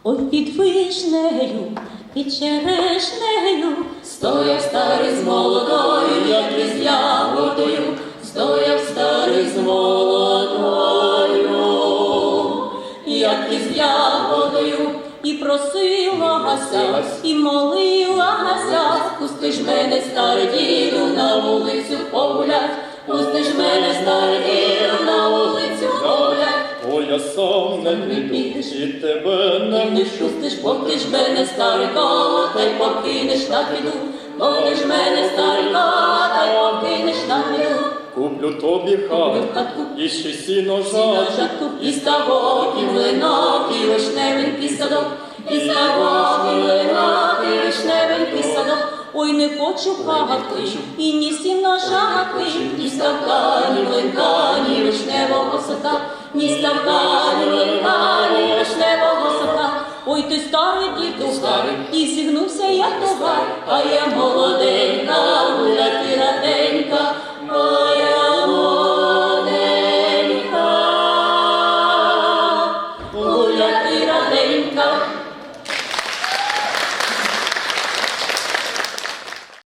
Ой, під вишнею, під черешнею, стояв старий з молодою, як із ягодою, стояв старий з молодою, як із ягодою, і просилася, і молилася, пусти ж мене, старий діду, на вулицю погулять, пусти ж мене, старий діду, на вулицю погулять. Ой, я сам не піду, і тебе не пущу. Пустиш, поки ж мене, старика, та й покинеш на піду, поки ж мене, старика, та й покинеш на піду. Куплю тобі хатку, і ще сіно жатку, і ставок, і млинок, і вишневенький садок, і ставок, і млинок, і вишневенький садок. Ой, не хочу хатки, і ні сіна жатки, ні ставка, ні млинка, ні вишневого садка, ні ставка, ні млинка, ні вишневого садка. Ой, ти старий діду, і зігнувся я тогар, а я молоденька, гулять і раденька, моя молоденька, гулять і раденька.